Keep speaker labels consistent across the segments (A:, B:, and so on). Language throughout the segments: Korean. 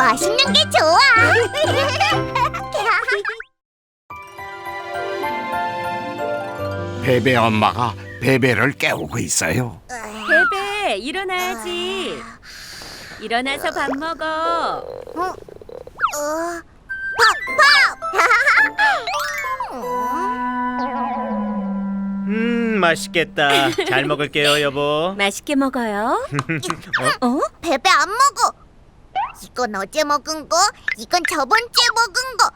A: 맛있는 게 좋아.
B: 베베 엄마가 베베를 깨우고 있어요.
C: 베베, 일어나야지. 일어나서 밥 먹어.
D: 맛있겠다. 잘 먹을게요, 여보.
C: 맛있게 먹어요. 어?
A: 베베 안 먹어. 이건 어제 먹은 거, 이건 저번 주에 먹은 거.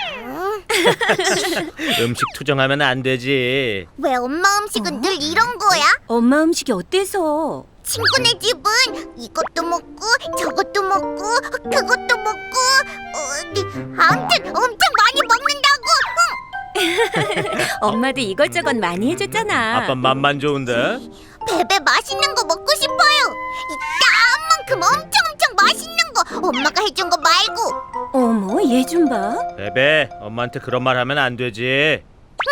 D: 음식 투정하면 안 되지.
A: 왜 엄마 음식은 늘 이런 거야?
C: 엄마 음식이 어때서?
A: 친구네 집은 이것도 먹고 저것도 먹고 그것도 먹고 아무튼 엄청 많이 먹는다고.
C: 엄마도 이것저것 많이 해줬잖아.
D: 아빠 맘만 좋은데?
A: 베베 맛있는 거 먹고 싶어요. 이따만큼 엄청 맛있는 거 엄마가 해준 거 말고.
C: 어머, 얘 좀 봐.
D: 베베, 엄마한테 그런 말 하면 안 되지.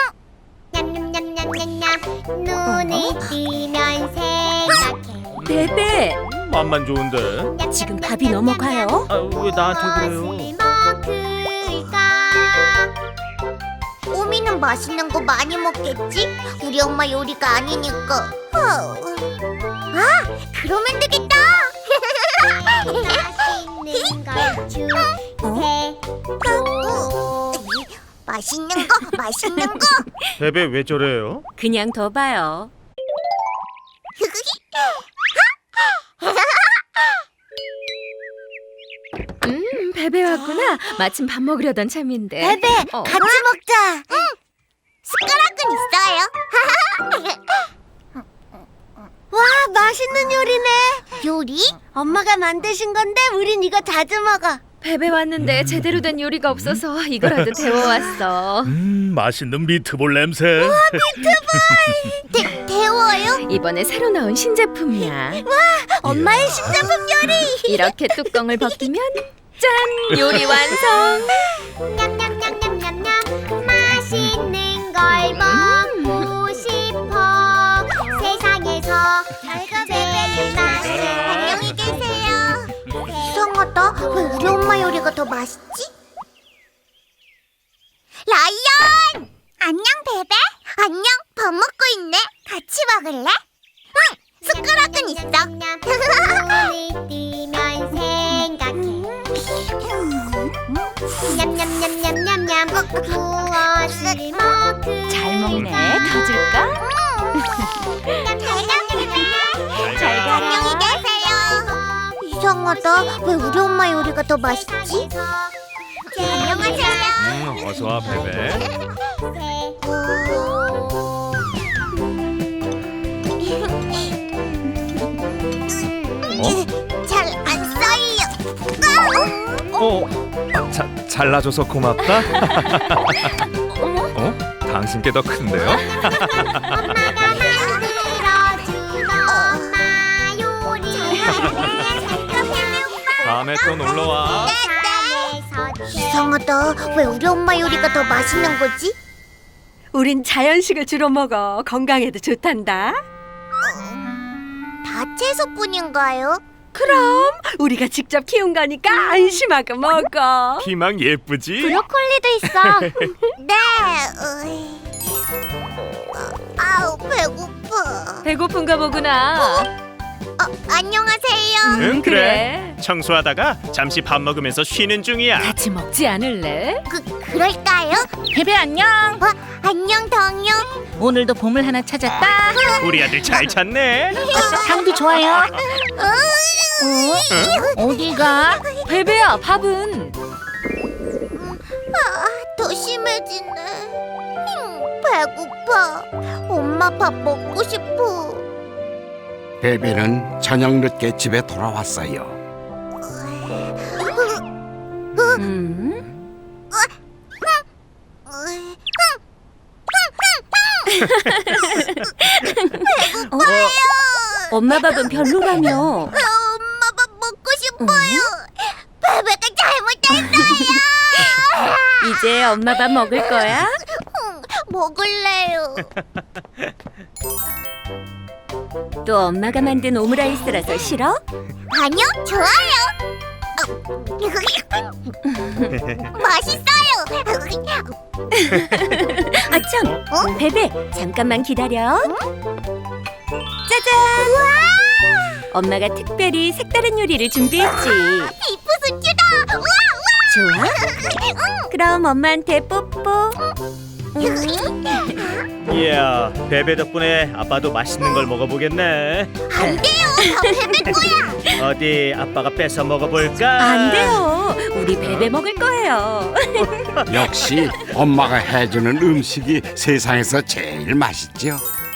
A: 냠냠냠냠냠냠 눈을 뜨면 생각해.
C: 베베,
D: 맘만 좋은데?
C: 지금 밥이 넘어가요?
D: 아, 왜 나한테 그래요?
A: 무엇을 먹을까? 오미는 맛있는 거 많이 먹겠지? 우리 엄마 요리가 아니니까. 그러면 되겠다. 맛있는 걸 주세요. 맛있는 거.
D: 베베 왜 저래요?
C: 그냥 더 봐요. 베베 왔구나. 마침 밥 먹으려던 참인데.
A: 베베, 같이 먹자. 응. 숟가락은 있어요. 와, 맛있는 요리네. 요리? 엄마가 만드신 건데 우린 이거 자주 먹어.
C: 베베 왔는데 제대로 된 요리가 없어서 이거라도 데워왔어.
D: 맛있는 미트볼 냄새.
A: 데워요?
C: 이번에 새로 나온 신제품이야.
A: 엄마의 신제품 요리.
C: 이렇게 뚜껑을 벗기면 짠! 요리 완성!
A: 냠냠냠냠냠냠 맛있는 걸 먹고 싶어. 세상에서 제일 맛있는. 안녕히 계세요. 이상하다. 왜 우리 엄마 요리가 더 맛있지? 라이언! 안녕 베베. 안녕. 밥 먹고 있네. 같이 먹을래? 응. 숟가락은 있어. 눈을 뜨면 생각해. 냠냠냠냠냠냠 무엇을 먹을까?
C: 잘 먹네. 더 줄까?
A: 잘 가. 안녕히 계세요. 이상하다. 왜 우리 엄마 요리가 더 맛있지? 안녕하세요.
D: 어서 와, 베베.
A: 잘 안 써요.
E: 잘라줘서 고맙다. 당신께 더 큰데요?
A: 엄마가 만들어준 엄마 요리.
E: 다음에 또 놀러 와.
A: 이상하다. 왜 우리 엄마 요리가 더 맛있는 거지?
C: 우린 자연식을 주로 먹어. 건강에도 좋단다.
A: 다 채소뿐인가요?
C: 그럼 우리가 직접 키운 거니까 안심하고 먹어.
E: 피망 예쁘지?
A: 브로콜리도 있어. 네. 아우 배고파.
C: 배고픈가 보구나.
A: 안녕하세요.
D: 응, 그래. 청소하다가 잠시 밥 먹으면서 쉬는 중이야.
C: 같이 먹지 않을래?
A: 그럴까요?
F: 베베 안녕.
A: 안녕 덩요.
F: 오늘도 보물 하나 찾았다.
D: 우리 아들 잘 찾네.
F: 향도 좋아요. 어디가?
C: 베베야, 밥은?
A: 더 심해지네. 배고파. 엄마 밥 먹고 싶어.
B: 베베는 저녁 늦게 집에 돌아왔어요.
A: 배고파요.
C: 엄마 밥은 별로라며.
A: 엄마 밥 먹고 싶어요. 베베가 잘못했어요.
C: 이제 엄마 밥 먹을 거야?
A: 먹을래요.
C: 또 엄마가 만든 오므라이스라서 싫어?
A: 아니요, 좋아요. 맛있어요.
C: 아참, 베베 잠깐만 기다려. 짜잔! 엄마가 특별히 색다른 요리를 준비했지.
A: 비프 스튜다.
C: 좋아? 그럼 엄마한테 뽀뽀.
D: 이야, 베베 덕분에 아빠도 맛있는 걸 먹어보겠네.
A: 안 돼요. 다 베베 거야.
D: 어디 아빠가 뺏어 먹어볼까?
C: 안 돼요. 우리 베베 먹을 거예요.
B: 역시 엄마가 해주는 음식이 세상에서 제일 맛있죠.